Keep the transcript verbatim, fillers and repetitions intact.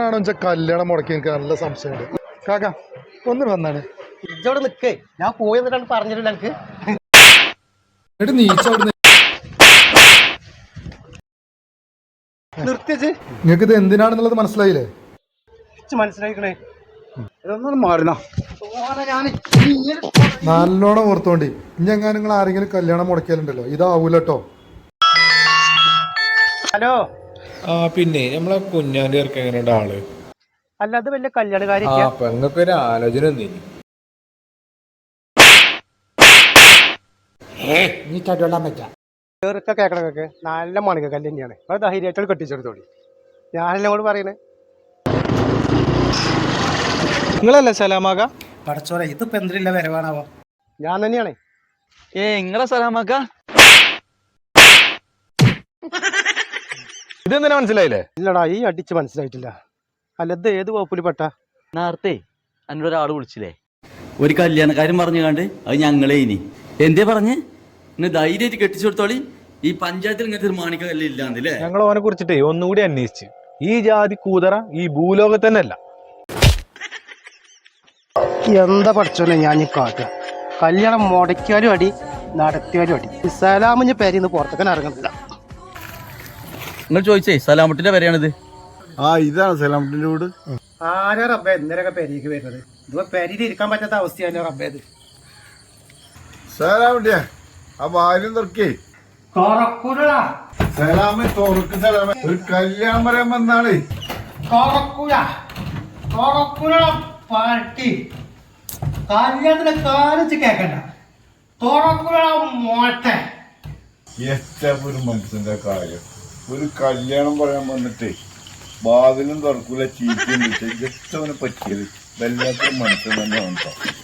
എന്തിനാണോ വെച്ചാൽ കല്യാണം മുടക്കി എനിക്ക് നല്ല സംശയമുണ്ട്. കാക്ക ഒന്ന് വന്നാണ് ഇജോടെ നിക്കേ, ഞാൻ പോയി എന്നിട്ടാണ് പറഞ്ഞിട്ടില്ല എനിക്ക്. എന്നിട്ട് നീച്ചോടുന്ന നിർത്തിച്ച് നിങ്ങൾക്ക് ഇത് എന്തിനാണെന്നുള്ളത് മനസ്സിലായില്ലേ? മനസ്സിലായിക്കണേ, ഇതൊന്നും മാറുന്ന നല്ലോണം ഓർത്തോണ്ടി. ഇനി എങ്ങനെ നിങ്ങൾ ആരെങ്കിലും കല്യാണം മുടക്കിയാലുണ്ടല്ലോ ഇതാവൂലട്ടോ. ഹലോ. ആ പിന്നെ നമ്മളെ കുഞ്ഞാന്റെ ഇറക്കം എങ്ങനെയുണ്ട് ആള്? അല്ല, അത് വലിയ കല്യാണക്കാരി. ആ പെങ്ങൾക്ക് ഒരു ആലോചന ഒന്നിനി. കേക്കണൊക്കെ നല്ല മണിക കല്ല് തന്നെയാണ്. അത് ധൈര്യമായിട്ട് കെട്ടിച്ചെടുത്തോളി. ഞാനെല്ലാം കൂടെ പറയണേ. നിങ്ങളല്ലേ സലാമാക? പടച്ചോലെ ഇതിപ്പോ എന്തില്ല വരവാണാവോ? ഞാൻ തന്നെയാണേ. ഏ നിങ്ങളെ സലാമാക്ക? ഇതെന്തിനാ മനസ്സിലായില്ലേ? ഇല്ലടാ, ഈ അടിച്ച് മനസ്സിലായിട്ടില്ല. അല്ല, ഇത് ഏത് വകുപ്പിൽ പെട്ട? നേരത്തെ എന്നോട് ഒരാൾ വിളിച്ചില്ലേ, ഒരു കല്യാണക്കാരൻ പറഞ്ഞു കണ്ട് അത് ഞങ്ങളെ ഇനി എന്തേ പറഞ്ഞ് ഇന്ന് ധൈര്യമായിട്ട് കെട്ടിച്ചു കൊടുത്തോളി. ഈ പഞ്ചായത്തിൽ ഇങ്ങനത്തെ ഒരു മാണിക്ക കല്ല് ഇല്ലാന്നില്ലേ? ഞങ്ങൾ ഓനെ കുറിച്ചിട്ടേ ഒന്നുകൂടി അന്വേഷിച്ച് ഈ ജാതി കൂതറ ഈ ഭൂലോകത്തന്നെ അല്ല. എന്താ പഠിച്ചോനെ ഞാൻ ഈ കാട്ടുക? കല്യാണം മുടക്കിയാലും അടി, നടത്തിയാലും അടി. സലാമിഞ്ഞ പേരിന്ന് പുറത്തേക്കാൻ ഇറങ്ങുന്നില്ല. നിങ്ങൾ ചോദിച്ചേ സലാമട്ടിന്റെ പേരെയാണിത്. ആ ഇതാണ് സലാമട്ടിന്റെ വീട്. ആരാ റബ്ബേ ഇന്നലെയൊക്കെ പെരിക്ക് വരുന്നത്? ഇതിപ്പോ പെരിയിൽ ഇരിക്കാൻ പറ്റാത്ത അവസ്ഥയാണ് റബ്ബേ. ഇത് സലാമട്ടിയാ ആ ഭാര്യ തുറക്കേ. സലാമെ തുറക്ക് സലാമെ, ഒരു കല്യാണം പറയാൻ വന്നാണ്. കല്യാണത്തിന് കാണിച്ച് കേക്കണ്ട. മോട്ടെ എത്ര ഒരു മനുഷ്യന്റെ കാര്യം. ഒരു കല്യാണം പറയാൻ വന്നിട്ടേ വാതിലും തുറക്കൂല, ചീറ്റും എത്തവനെ പറ്റിയത് വല്ലാത്തൊരു മനുഷ്യൻ തന്നെ ഉണ്ടോ.